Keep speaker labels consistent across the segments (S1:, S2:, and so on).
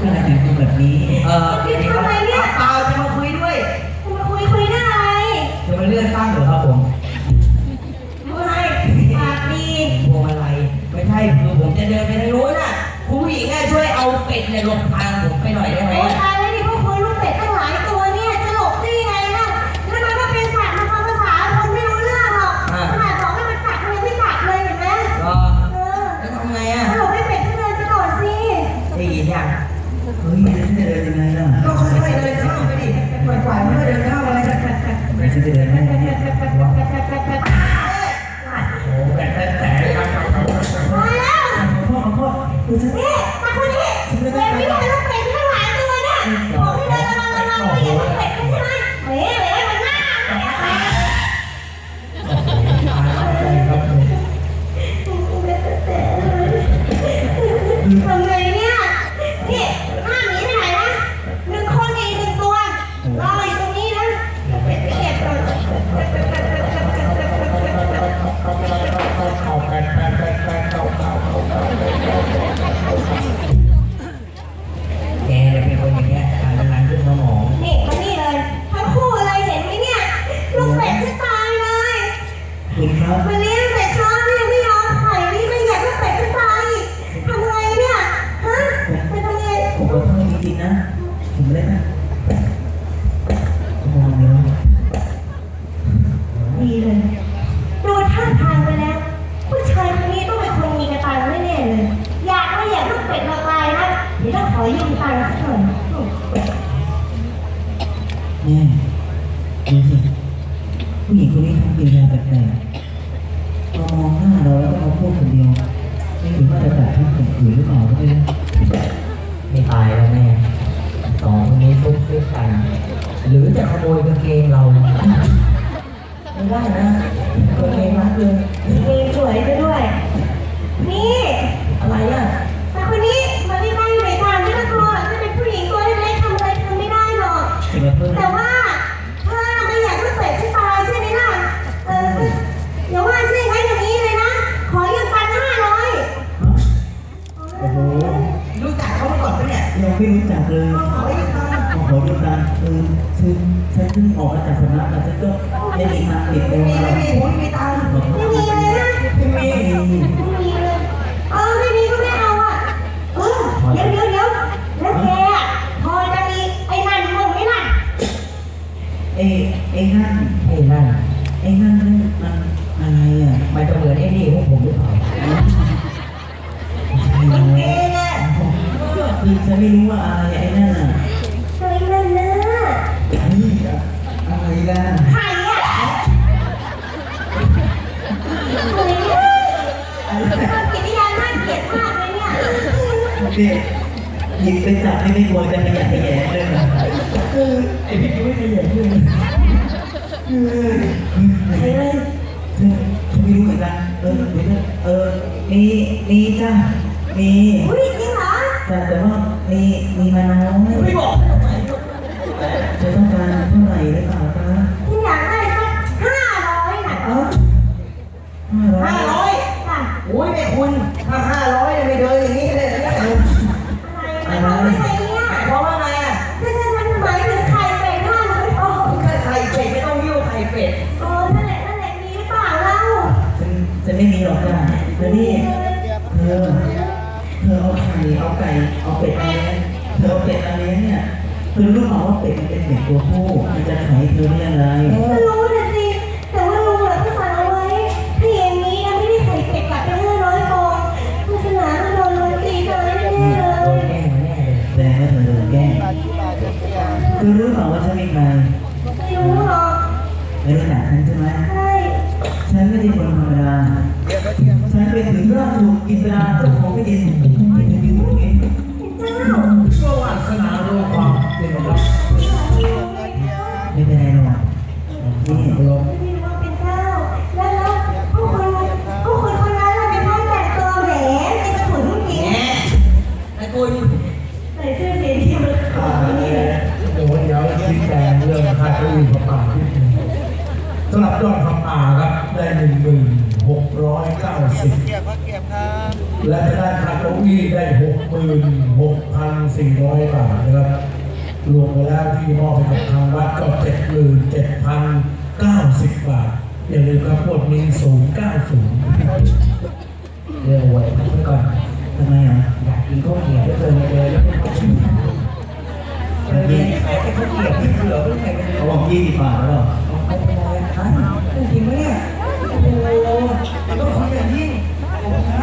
S1: เป็นอะไรถึงแบบนี้
S2: พี่ทำอะไรเนี่ย
S3: เปล่าจะมาคุยด้วย
S2: จะมาคุยหน้าอะไร
S3: จะมาเลื่อนตั้งเหรอครับผม
S2: อะไรปากดี
S3: พวงอะไรไม่ใช่คือผมจะเดินไปทางนู้นน่ะคุณผู้หญิงช่วยเอาเป็ดในหลบทางผมไปหน่อยได้ไหม
S2: โอ้ตายแล้วดิพวกคุยลูกเป็ดตั้งหลายตัวเนี่ยจะหลบได้ยังไงล่ะแล้วมันก็เป็นสัตว์มันฟังภาษาคนไม่รู้เรื่องหรอกขนาดบอกให้มันกัดมันยังไม่กัดเลยเห็นไหม
S3: แล้วทำไงอ่ะ
S2: หลบให้เป็ดเดินไปก่อนสิ
S3: ได้ยินยัง
S1: เฮ้ยไม่ได้เดินยังไงล่ะ
S3: ก็ค่อยๆเดินเข้าไปดิปล่อยๆมันก็เดินเข้าอะไร
S1: ไม่ใช่จะเดินได้ไงเนี่ย
S3: โอ้แบบแต่
S2: มาแล้ว
S1: พ่อดูสิ
S2: นี่มาคนนี้เป็ดไม่ได้ลูกเป็ดทั้งหลายตัวเนี่ยบอกให้เดินระวังไม่อย่าลูกเป็ดใช่ไหมเฮ้ยมันน่าทำไงเนี่ยนี่ห้ามหนีไปไหนนะ1 คนอีก1 ตัวรออยู่ตรงนี้นะเป็ดเก็บก่อน
S3: แกเป็นคนอย่างเงี้ยการงานขึ้นสมอง
S2: นี่มานี่เลยทั้งคู่เลยเห็นไหมเนี่ยลูกเป็ดจะตายเลย
S1: คุณครับ
S2: มาเลี้ยงเป็ดช้อนยังไม่ยอมไข่นี่ไม่อยากลูกเป็ดจะตายทำไงเนี่ยฮะเป็นทำไง
S1: ผมขอโทษจริงๆนะผมเล่นนะมองเนื้อ
S2: ดีเลยดูท่าทางไปแล้วผู้ชายคนนี้ต้องเป็นคนมีกระตังแน่ๆเลยอยากไม่อยากลูกเป็ดมาตายนะเดี๋ยวต้องขอยืมตังค์สักหน่อย
S1: เนี่ยดูสิผู้หญิงคนนี้ทำกิริยาแปลกๆมามองหน้าเราแล้วก็มาพูดคนเดียวไม่รู้ว่าจะแบบท่านข่มขืนหรือเปล่าก็ไม่รู้
S3: ไม่ตายแล้วแม่2 คนนี้ฟุบกัน หรือจะขโมยกางเกงเราไม่ได้นะกางเกงรัดเลย
S2: เองสวยไปด้วยนี่
S3: อะไรอ่ะ
S2: แต่คนนี้มันไม่ได้อยู่ในทางที่น่ากลัวจะเป็นผู้หญิงตัวเล็กๆทำอะไรทำไม่ได้หรอกแต่ว่าเธอไม่อยากลูกเป็ดจะตายใช่ไหมล่ะอย่าว่าใช่ไหมอย่างนี้เลยนะขอยืมตังค์500
S1: โอ้โห
S3: รู้จักเขามาก่อนปะเนี่ย
S1: ยังไม่รู้จักเลย
S3: ขอยืมตังค์
S1: คือฉันเพิ่งออกมาจากสำนักแต่ฉันก็ไม่มีตังค์ติดตัว
S3: ไม่มีผมไม่มีตังค์
S2: ไม่มีเลยนะ
S3: ไม่มี
S2: เลยไม่มีก็ไม่เอาอ่ะเดี๋ยวแล้วแกพอจะมีไอ้นั่นมึงไหมล่ะ
S1: ไอ้นั่นมันอะไรอ่ะ
S3: มันจะเหมือนไอ้นี่พวกผมหรือเปล่า
S1: มันเองอ่ะคือฉันไม่รู้ว่าอะไรไอ้นั่นอ่ะ
S2: ไอ้นั่นนะ
S1: นี่อะไรล่ะ
S2: ใครอ่ะความกิริยาน่าเกลียดมากเลยเนี่ย
S1: เด็กหยิบไปจับไม่กลัวจะขยันขยแเลยนะไอพี่ก็ไม่ขยันเลยอะไรเธอไม่รู้เหมือนกันมีจ้ามี
S2: อุ้ยจริงเหรอ
S1: แต่ว่ามีมาน้อย
S3: ไม่บอก
S1: เธอต้องการเท่าไหร่หรือเปล่าคะ
S2: ที่อยากได้สัก500น่ะ
S3: 500
S2: ค่ะ
S3: โอ้ยแม่คุณถ้า500ไม่เดินอย่างนี้เลยนะ
S2: อะไรเนี่ย
S3: เพราะว่าไงอ่ะ
S2: ถ้าฉันมันหมายถึงไข่เป็ด500
S3: ไข่เป็ดไม่ต้องยิ้วไข่เป็ด
S2: นั่นแหละมีหรือเปล่าเล่า
S1: ฉันไม่มีหรอกจ้ะแล้วนี่เธอเอาไข่เอาไก่เอาเป็ดอะไรเธอเอาเป็ดอะไรเนี่ยเธอรู้หรอว่าเป็ดมันเป็นเด็กตัวผู้มันจะไข่เธอได้ยังไง
S2: รู้นะสิแต่ว่าลุงเหลือก็สั่งเอาไว้ถ้าอย่างนี้นะไม่ได้ไข่เป็ดกลับไป500 ฟองพุทธนาโดนตีตายแน่เลย
S1: แต่ว่าเธอโดนแกล้งเธอรู้หรอว่าฉันเป็นใคร
S2: ไม่รู้หรอก
S1: ไม่รู้จักฉันใช่ไหม
S2: ใช่
S1: ฉันไม่ใช่คนธรรมดาฉันเป็นถึงราชวงศ์อิสราเจ้าของแผ่นดิน
S3: ก็วาสนาโลกความเป็นของเรา
S1: ไม่เป็นไรหรอกนี่
S2: ลงเป็นเจ้าแล้วผู้คนคนนั้นเราเป็นท่านแต่งตัวแหวนในกระถุนจริง
S3: ไอ้คุณ
S2: ใส่เสื้อสีที่มัน
S4: เดี๋ยวชี้แจงเรื่องค่าเก้าอี้พระป่าสำหรับยอดพระป่าครับได้1690และจะได้ค่าเก้าอี้ได้66,200 400 บาทนะครับรวมไปแล้วที่มอบให้กับทางวัดก็ 77,090 บาทอย่าลืมครับพวกนี้090
S3: เรื่องหวยพักไว้ก่อน
S1: ทำไมอ่ะ
S3: อยากกินข้าวเกรี๊ยวด้วยเลยขายแต่ข้าวเกรี๊ยวที่เหลือไม่ใช่เป็น
S1: เขาบอก20 บาทแล้วเหรอ
S3: ไม่เป็นไรครับจริงไหมเนี่ยโอ้โหต้องขออย่างยิ่งขอบคุณครับ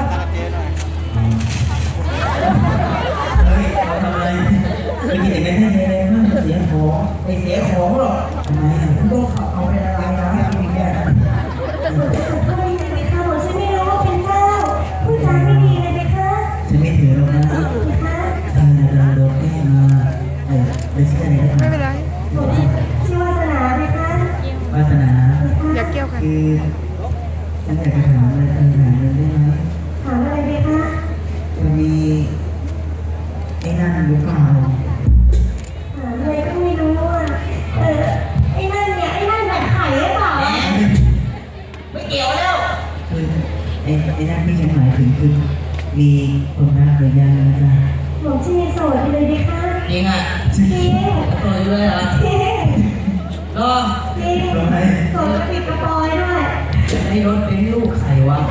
S1: เฮ้ยเอาทำอะไรไปกินเองไม่ได้เลยมากเสียของ
S3: ไม่เสียของหรอก
S1: ทำไมอ่ะ
S3: ต้องขับเอาไปละลายน้ำกินเนี่ย
S2: ทำไมถึงไปฆ่าผมฉันไม่รู้ว่าเป็นเจ้าพูดจาไม่ดีเลยไหมคะ
S1: ฉันไม่ถือหรอกนะ
S2: คะ
S1: เธอกำลังโดนแกล้งมาไม่ใช่อะไรนะ
S5: ไม่เป็นไร
S2: ผมชื่อวาสนาไหมคะ
S1: วาสนา
S5: อย่าเกี่ยวกัน
S1: คือฉันอยากจะถามอะไรถามเงินได้ไหม
S2: ถามอะไรไหมคะ
S1: จะมีไอ้นั่นหรือเปล่า
S2: ถามอะไรก็ไม่รู้อ่ะไอ้นั่นเนี่ยไอ้นั่นแบบไข่หรือเปล่า
S3: ไม่เกี่ยวแล้ว
S1: คือไอ้นั่นที่ฉันหมายถึงคือมีคนรักหรือยังนะจ๊ะ
S2: ผมชื่อโสดไปเลยไหมคะ
S3: จริงอ่ะ
S2: จริง
S3: ตัวด้วยเหรอ
S2: จริง
S3: รอ
S2: จริงโสดกระปิดกระปอยด้วย
S3: ไอ้รถเป็นลูกใครวะ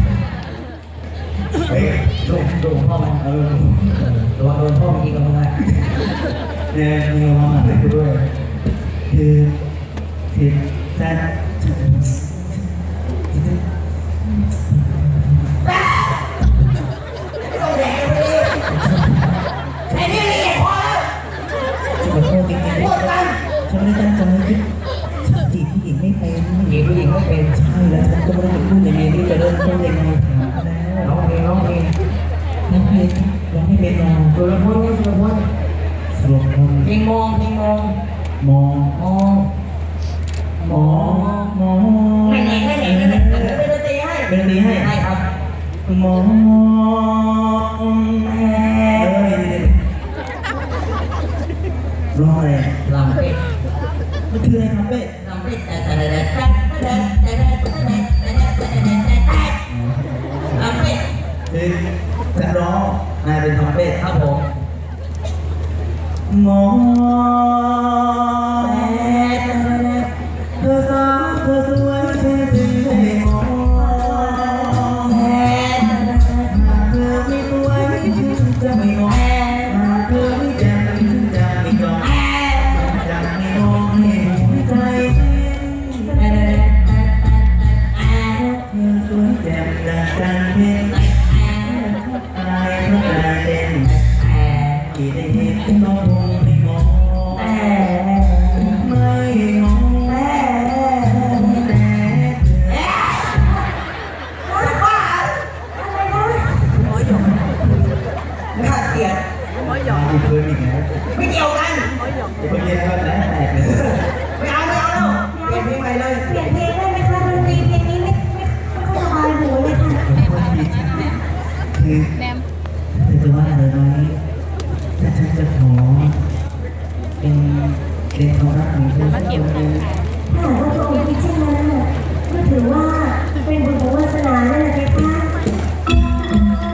S4: เฮ้ย
S3: โดนพ่อมันระวังโดนพ่อมันยิงกันมึงอ่ะ
S1: เนี่ยมีความหมายด้วยคือจะ
S3: ไอ้นี่ละเอียดพอแล้ว
S1: ขอโทษจริงๆฉันไม่ตั้งใจจีบผู้หญิงไม่เป็น
S3: หญิงผู้หญิงไม่เป็น
S1: ใช่แล้วฉันก็ไม่รู้จะพูดยังไงที่จะเริ่มต้นยังไงถามแล้ว
S3: ร้องเพลงร้องเพลง
S1: น้องเพชรน้องไม่เป็นนอน
S3: สุรพลนี่สุรพล
S1: สวมคน
S3: เพลงมองเพลงมอง
S1: มอง
S3: มอง
S1: มองมอง
S3: ไม่ไหนไม่ไหนไม่ไหนเป็นดนตรีให้
S1: เป็นดนตรีให้
S3: ได้ครับ
S1: มองร้องอะไร
S3: ลำเป็ด
S1: มันคืออะไรครับเป้
S3: ลำเป็ดแต่ลำเป็ด
S1: คือฉันร้องนายเป็นทอมเป้
S3: ครับผม
S1: มองเธอสาวเธอสวยแค่ถึงได้มองหากเธอไม่สวยฉันจะไม่มองหากเธอไม่แจ่มฉันจะไม่ยอมจะไม่มองให้หัวใจเต้นเธอสวยแจ่มดังจันทร์เพ็ญอายเพราะการเต้นที่ได้เห็นน้องคงไม่มองไม่มองแต่
S3: น่าเกลียด
S1: มาดูเพื่อนอีกแล้ว
S3: ไม่เกี่ยวกัน
S1: เดี๋ยวเพื่อนก็แตกเลย
S3: ไม่เอาแล้วเปลี่ยนเพลงใหม่เลย
S2: เปลี่ยนเพลงได้ไหมคะดนตรีเพลงนี้ไม่ค่อยสบายหูเลยค่ะ
S1: คือเธอจะว่าอะไรไหมถ้าฉันจะขอเป็นความรักของเธอสักคนหนึ่ง